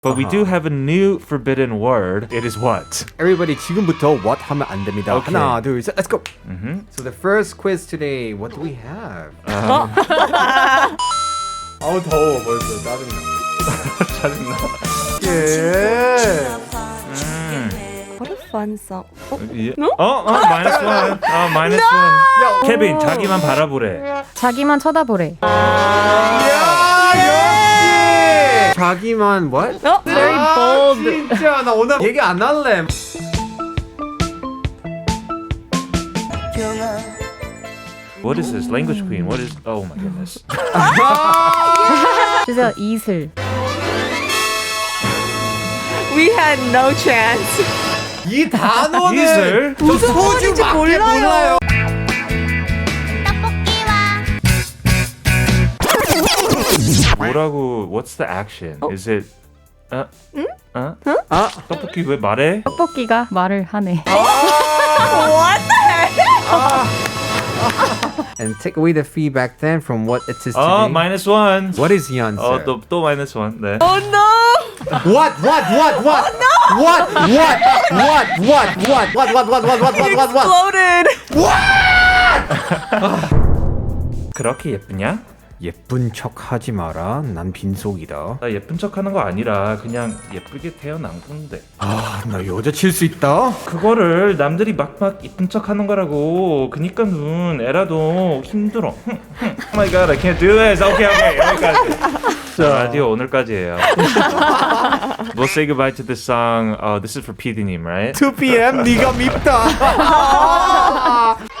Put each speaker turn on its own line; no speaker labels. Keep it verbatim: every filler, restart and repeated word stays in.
But we do have a new forbidden word. It is what?
Everybody 지금부터 what 하면 안 됩니다.
Okay.
하나, 둘, 셋, let's go.
Mm-hmm.
So the first quiz today, what do we have?
Um,
아우 더워 벌써 짜증나.
짜증나.
예.
What a fun song. 어?
Yeah. Oh, oh, minus one. Oh, minus one. 케빈, 자기만 바라보래.
자기만 쳐다보래.
야 역시. 자기만 what?
어?
Very
아,
bold.
진짜 나 오늘 얘기 안 할래.
What is this? Language queen. What is? Oh my goodness.
주세요. 이슬.
We had no chance.
이 단어는
이슬?
저
무슨 말인지
소주밖에
몰라요.
몰라요.
뭐라고? What's the action? Is it? 어? 응? 어?
아,
떡볶이 왜 말해?
떡볶이가 말을 하네.
What the heck?
and take away the feedback then from what it is today.
어, minus one.
What is the answer?
어, 또, 또 minus one. 네.
Oh no!
What? What? What? What? Oh, no! What? What? What? What? What? What? What? What? What? What? What? What? What?
Exploded.
그렇게 예쁘냐?
예쁜 척 하지 마라. 난 빈속이다.
나 예쁜 척하는 거 아니라 그냥 예쁘게 태어난 건데.
아, 나 여자 칠 수 있다.
그거를 남들이 막막 예쁜 척하는 거라고. 그니까는 에라도 힘들어. Oh my god, I can't do this. Okay, okay, 여기까지. 자, 라디오 오늘까지예요. We'll say goodbye to this song. Uh, this is for 피디님, right?
two p.m. 네가 밉다.